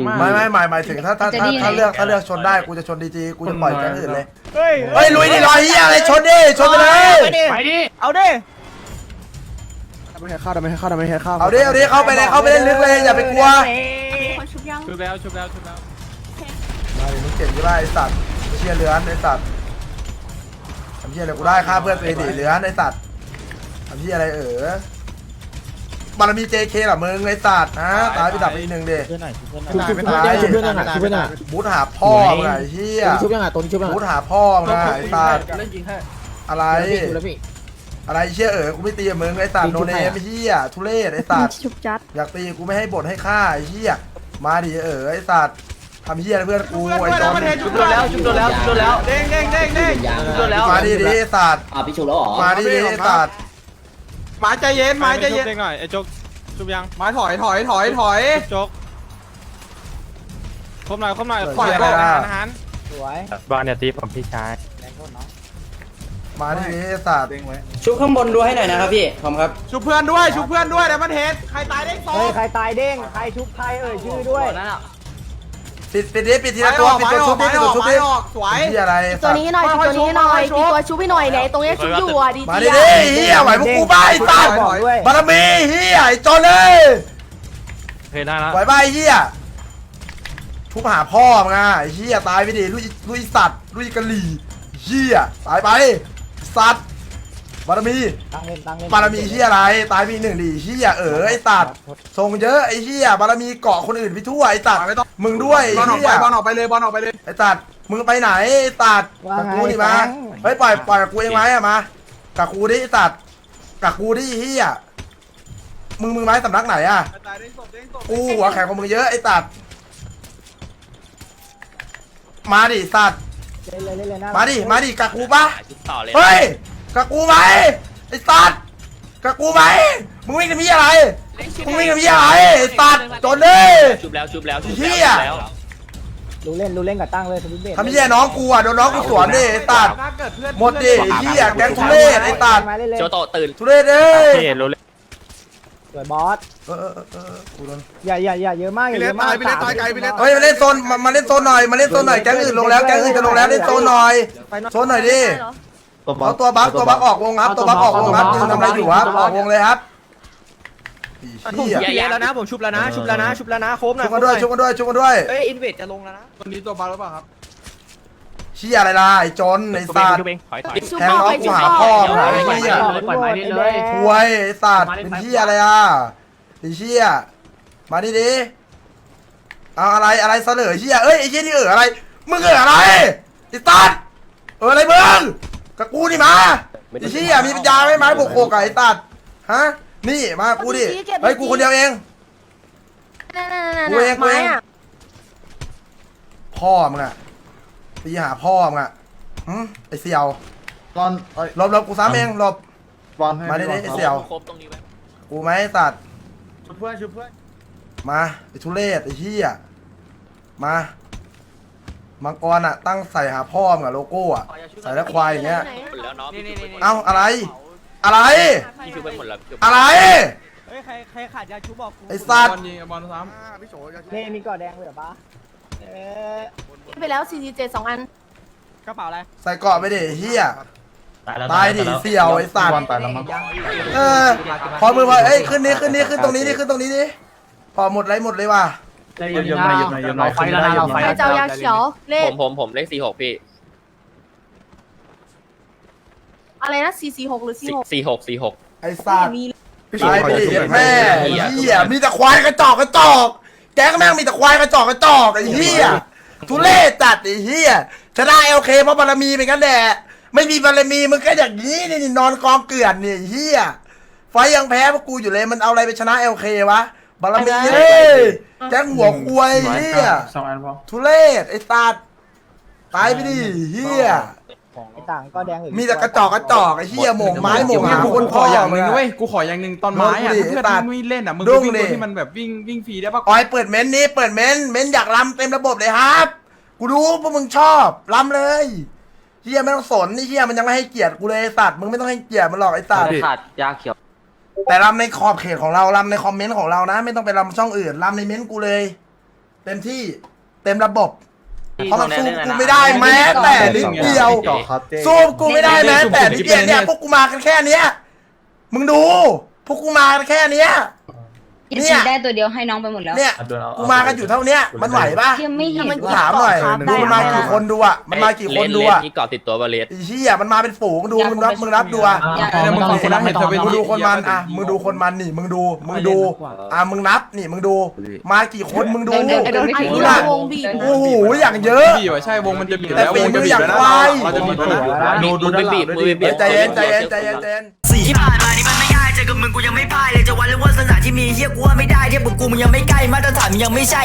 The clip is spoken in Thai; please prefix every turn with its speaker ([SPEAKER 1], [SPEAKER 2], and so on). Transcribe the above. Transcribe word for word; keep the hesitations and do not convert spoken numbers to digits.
[SPEAKER 1] ไม่ไม่หมายหมายถึงถ้าถ้าถ้าถ้าเลือกถ้าเลือกชนได้กูจะชนดีจีกูจะปล่อยแก๊งอื่นเลยเฮ้ยเฮ้ยลุยดิรอยเฮียอะไรชนดิชนไปเลย
[SPEAKER 2] ไปดิเอาดิ
[SPEAKER 3] ไม่ให้เข้าไม่ให้เข้าไม่ให้เข้า
[SPEAKER 1] เอาดิเอาดิเข้าไปเลยเข้าไปเล่นลึกเลยอย่าไปกลัว
[SPEAKER 4] ชุบยัง
[SPEAKER 2] ชุบแล้วชุบแล้วชุบแล้ว
[SPEAKER 1] มาดิมึงเก่งใช่ไหมไอ้สัตว์เชี่ยเลือนไอ้สัตว์ทำเชี่ยอะไรกูได้ฆ่าเพื่อนตัวเองดิเลือนไอ้สัตว์ทำเชี่ยอะไรเออบารมี เจ เค เหรอมึงไอ้สัตว์ฮะตายไปดับไปอีกหนึ่งดิ
[SPEAKER 3] ชุบชุบชุบชุบเพื่อนยังไงชุบเพื่อนยังไง
[SPEAKER 1] บูทหาพ่อมึงไอ้เชี่ย
[SPEAKER 3] ชุบยังไงตัวนี้ชุบยังไง
[SPEAKER 1] บูทหาพ่อมึงไอ้สัตว์
[SPEAKER 2] เล่นยิงให้
[SPEAKER 1] อะไรอะไรเชี่ยเออกูไม่ตีกับมึงไอ้สัตว์โนเนมเชี่ยทุเรศไอ้สัตว์
[SPEAKER 4] ชุบจัด
[SPEAKER 1] อยากตีกูไม่ให้บทให้ฆ่าไอ้เชี่ยมาดิเออไอ้สัตว์ทำเชี่ยเพื่อนกูไอ้จอน
[SPEAKER 2] ชุบโดนแล้วชุบโดนแล้วชุบโดนแล้วเด้งเด้งเด้งเด้งชุบโดนแล้ว
[SPEAKER 1] มาดิดิไอ้สัตว์
[SPEAKER 5] อ่ะพี่ชูแล้วหรอ
[SPEAKER 1] มาดิดิไอ้สัตว์
[SPEAKER 2] หมาใจเย็นหมาใจเย็นเด้งหน่อยไอ้โจ๊กชุบยังหมาถอยถอยถอยถอยโจ๊กคมหน่อยคมหน่อยถอยก่อนอาหาร
[SPEAKER 3] สวย
[SPEAKER 6] บอลเนี่ยตีผมพี่ชาย
[SPEAKER 1] มาดิดิไอ้สัตว์
[SPEAKER 5] ชุบข้างบนดูให้หน่อยนะครับพี่ผมครับ
[SPEAKER 2] ชุบเพื่อนด้วยชุบเพื่อนด้วยแต่มันเห็นใครตายเด้งสอง
[SPEAKER 3] เฮ้ยใครตายเด้งใครชุบใครเอ่ยชื่อด้วย
[SPEAKER 1] ปิดปิดดิปิดทีละตัวปิดตัวชุบดิปิดตัวชุบดิ
[SPEAKER 2] สวย
[SPEAKER 1] เชี่ยอะไร
[SPEAKER 4] ตัวนี้หน่อยตัวนี้หน่อยตีตัวชุบให้หน่อยเนี่ยตรงนี้ชุบอยู่อ่ะดี
[SPEAKER 1] มา
[SPEAKER 4] จี
[SPEAKER 1] ดิดิเฮียไหวพวกกูบ้าไอ้สัตว์บารมีเฮียไอ้จอนเลย
[SPEAKER 6] เคยได้แล้ว
[SPEAKER 1] ไหวบ้าไอ้เฮียทุบหาพ่อมึงอ่ะไอ้เฮียตายไปดิลุยลุยสัตว์ลุยกะหรี่เฮียตายไปสัตว์บารมี
[SPEAKER 3] ตั้งเล่นตั้งเล่น
[SPEAKER 1] บารมีเฮียอะไรตายไปหนึ่งดิเฮียเออไอ้สัตว์ทรงเยอะไอ้เฮียบารมีเกาะคนอื่นไปทั่วไอ้สัตว์มึงด้วย
[SPEAKER 2] บอลออก
[SPEAKER 1] เฮี
[SPEAKER 2] ไป
[SPEAKER 1] ย
[SPEAKER 2] บอลออกไปเลยบอลออกไปเลย
[SPEAKER 1] ไอ้สัตว์มึงไปไหนไอ้สัตว์กับกูดิมาเฮ้ยปล่อยปล่อยกับกูเองไหมอะมากับกูดิไอ้สัตว์กับกูดิเฮียมึงมึงไม้สำนักไหนอะ
[SPEAKER 2] ตายเด้งศพเด้งศพ
[SPEAKER 1] กูหัวแข็งกว่ามึงเยอะไอ้สัตว์มาดิสัตว์
[SPEAKER 3] เล่นเลยเล่นเลยนะ
[SPEAKER 1] มาดิมาดิกับกูปะเฮ้ยกับกูไหมไอ้สัตว์กับกูไหมมึงวิ่งกับพี่อะไรมึงวิ่งกับพี่อะไรไอ้สัตว์จนเลย
[SPEAKER 6] ชุบแล้วชุบแล้วชุบ
[SPEAKER 1] เฮีย
[SPEAKER 3] ดูเล่นดูเล่นกับตั้งเลยสวิตเบส
[SPEAKER 1] ทำเฮียน้องกูอ่ะโดนน้องกูสวนดิไอ้สัตว์หมดดิเฮียแก๊งทุเรศไอ้สัตว์
[SPEAKER 3] มาเล่นเลย
[SPEAKER 6] โจโตตื่น
[SPEAKER 1] ทุเรศเอ้ย
[SPEAKER 6] พี่รู้เลย
[SPEAKER 3] สวยบอส
[SPEAKER 1] เออเออเออเออกูโดน
[SPEAKER 3] อย่าอย่าอย่าเยอะมากอย่าเยอะมาก
[SPEAKER 1] เฮ้ยมาเล่นโซนมามาเล่นโซนหน่อยมาเล่นโซนหน่อยแก๊งอื่นลงแล้วแก๊งอื่นจะลงแล้วเล่นโซนหน่อยโซนหน่อยดิเอาตัวบัฟตัวบัฟออกวงครับตัวบัฟออกวงครับยืนทำอะไรอยู่ครับออกวงเลยครับ
[SPEAKER 2] ผม
[SPEAKER 1] เฮีย
[SPEAKER 2] ชุบแล้วนะผมชุบแล้วนะชุบแล้วนะชุบแล้วนะโคมนะ
[SPEAKER 1] ชุบกันด้วยชุบกันด้วยชุบกันด้วย
[SPEAKER 2] เอ้ยอินเวดจะลงแล้วนะวันนี้ตัวบาร์หรือเปล่าครับ
[SPEAKER 1] เชี่ยอะไรล่ะไอ้จนไอ้สัตว์
[SPEAKER 6] ชุบเองถอยถอย
[SPEAKER 4] ชุบ
[SPEAKER 1] แทง
[SPEAKER 4] บอก
[SPEAKER 1] น้อง
[SPEAKER 4] ไป
[SPEAKER 1] กู
[SPEAKER 4] ชุบ
[SPEAKER 1] หา
[SPEAKER 4] บอก
[SPEAKER 1] พ่อมึงไอ้เหี้ย
[SPEAKER 3] ปล่อยไม้นี่เลย
[SPEAKER 1] ควยไอ้สัตว์เป็นเชี่ยอะไรอ่ะไอ้เชี่ยมาดิดิเอาอะไรอะไรเสนอเชี่ยเอ้ยไอ้เชี่ยนี่เอออะไรมึงเอออะไรไอ้สัตว์เอออะไรมึงกับกูนี่มาไอ้เชี่ยมีปัญญาไหมไม้บวกโคกับไอ้สัตว์ฮะนี่มากูดิเฮ้ยกูคนเดียวเอง
[SPEAKER 4] นั่นๆๆๆไม้อ่ะ
[SPEAKER 1] พ่อมึงอะตีหาพ่อมึงอะหืมไอเสี่ยว
[SPEAKER 7] ตอนเอ้ย
[SPEAKER 1] หลบหลบกูซ้ำเองหลบ
[SPEAKER 7] บอลให้
[SPEAKER 1] มาดิดิไอเสี่ยว
[SPEAKER 6] ครบตรงนี้ไว้
[SPEAKER 1] กูไหมไอ้สัตว์
[SPEAKER 2] ชุบเพื่อนชุบเพื่อน
[SPEAKER 1] มาไอทุเรศไอเหี้ยมามังกรอะตั้งใส่หาพ่อมึงอะโลโก้อะใส่แล้วควายอย่างเงี้ย
[SPEAKER 6] หมดแล้วเนาะพี่ชุบไปหมด
[SPEAKER 1] เอ้าอะไร อะไร
[SPEAKER 6] พี่ชุบไปหมดแล้วชุบ
[SPEAKER 1] อะไร
[SPEAKER 2] เฮ้ยใครใครขาดยาชุบบอกกู
[SPEAKER 1] ไอ้สัตว์
[SPEAKER 2] บอลยิงบอลซ้
[SPEAKER 3] นี่มีกอดแดงเลยเหรอปะเอ๊ะ
[SPEAKER 4] ไปแล้วสี่สิบเจ็ดสองอัน
[SPEAKER 2] ำกระเป๋าอะไร
[SPEAKER 1] ใส่เกราะไปดิไอ้เหี้ยตายดิเสี่ยวไอสัต
[SPEAKER 7] บอ
[SPEAKER 1] ว์
[SPEAKER 7] ลตายแล้วมั้ง
[SPEAKER 1] เออพอมือพอเอ้ยขึ้นนี้ขึ้นนี้ขึ้นตรงนี้ดิขึ้นตรงนี้ดิพอหมดไรหมดเลยว่ะ
[SPEAKER 7] เยี่ยมหน่อยเยี่ยมหน่อยเยี่ยมหน่อยขึ้นได้เยี่ยมหน่อย
[SPEAKER 4] ใครจะเอายาเขียวเลข
[SPEAKER 6] ผมผมผมเลขสี่หกพี่
[SPEAKER 4] อะไรนะสี่สี่หกหรือสี่หก
[SPEAKER 6] สี่หกสี่หก
[SPEAKER 1] ไอสัตว์
[SPEAKER 4] มี
[SPEAKER 1] ตายไปดิแม่เหี้ยมีแต่ควายกระจอกกระจอกแก๊งแม่งมีแต่ควายกระจอกกระจอกไอ้เหี้ยทุเรศจัดไอ้เหี้ยชนะเอลเคเพราะบารมีเป็นกันแหละไม่มีบารมีมึงก็อย่างนี้นี่นอนกองเกลื่อนนี่ไอ้เหี้ยไฟยังแพ้พวกกูอยู่เลยมันเอาอะไรไปชนะเอลเควะบารมีเฮ้ยแก๊งหัวควายไอ้เหี้ย
[SPEAKER 7] สองอันพอ
[SPEAKER 1] ทุเรศไอ้ตัดตายไปดิเหี้ย
[SPEAKER 3] ไอ้ต่างก็แดงเลย
[SPEAKER 1] มีแต่กระจอกกระจอกไอ้เหี้ยหม่งไม้หม่งหา
[SPEAKER 2] กู
[SPEAKER 1] คน
[SPEAKER 2] ขออย่างหนึ่ง
[SPEAKER 1] พ่
[SPEAKER 2] เว้ยกูขออย่างหนึ่งตอนไม้อะ
[SPEAKER 1] มึงดิ
[SPEAKER 2] เพื่อน
[SPEAKER 1] ตัด
[SPEAKER 2] มึงไม่เล่นอะมึง
[SPEAKER 1] ดุ้
[SPEAKER 2] ก็
[SPEAKER 1] ง
[SPEAKER 2] วิ่ง
[SPEAKER 1] ดิ
[SPEAKER 2] ตัวที่มันแบบวิ่งวิ่งฟรีได้ปะ
[SPEAKER 1] ออยเปิดเม้นนี้เปิดเม้นเม้นอยากรำเต็มระบบเลยครับ กูรู้พวกมึงชอบรำเลยเฮียไม่ต้องสนไอ้เฮียมันยังไม่ให้เกียรติกูเลยไอ้สัตว์มึงไม่ต้องให้เกียรติมันหรอกไอ้สัตว์
[SPEAKER 5] ขาดยาเขียว
[SPEAKER 1] แต่รำในขอบเขตของเรารำในคอมเมนต์ของเรานะ ไม่ต้องไปรำช่องอื่นรำในเม้นต์กูเลยเต็มที่เต็มระบบเพราะมันสู้กูไม่ได้แม้แต่นิดเดียว
[SPEAKER 7] เจาะครับเจ๊
[SPEAKER 1] สู้กูไม่ได้แม้แต่นิดเดียวเนี่ยพวกกูมากันแค่เนี้ยมึงดูพวกกูมากันแค่เนี้ย
[SPEAKER 8] เนี่ย ได้ตัวเดียวให้น้องไปหมดแล้ว
[SPEAKER 1] เนี่ยกูมากันอยู่เท่าเนี้ยมันไหวปะ
[SPEAKER 8] ยังไม่เห็น
[SPEAKER 1] กูถามหน่อยดูมันมากี่คนดูอ่ะมันมากี่คนดูอ่ะ
[SPEAKER 6] นี่เกาะติดตัวบาเลส
[SPEAKER 1] ไอ้เหี้ยมันมาเป็นฝูงดูมึงรับมึงรับดูอ่ะ
[SPEAKER 7] ไม่ต้องคนละไม่ต้อง
[SPEAKER 1] มึงดูคนมันอ่ะมึงดูคนมันนี่มึงดูมึงดูอ่ะมึงนับนี่มึงดูมากี่คนมึงดู
[SPEAKER 8] เดินเดินไม่ถึง
[SPEAKER 1] ดูละโอ้โหอย่างเยอะ
[SPEAKER 2] บีบใช่วงมันจะบีบ
[SPEAKER 1] แต่
[SPEAKER 2] แล้ว
[SPEAKER 1] ฝี
[SPEAKER 2] วง
[SPEAKER 1] มื
[SPEAKER 2] จะ
[SPEAKER 1] อ
[SPEAKER 2] บี
[SPEAKER 1] อบ ย่าง
[SPEAKER 2] แล้วนะ
[SPEAKER 1] ควาย
[SPEAKER 2] เราจะบีบแล้วนะ
[SPEAKER 6] ดูดูไปบีบมือบีบ
[SPEAKER 1] ใจเย็นใจเย็นใจเย็นใจเย็น
[SPEAKER 9] ที่ผ่านมานี่มันไม่ง่ายเจอกับมึงกูยังไม่พ่ายเลยจะวันหรือว่าสถานที่มีเฮียกูว่าไม่ได้เทียบกับกูมึงยังไม่ใกล้มาตรฐานมึงยังไม่ใช่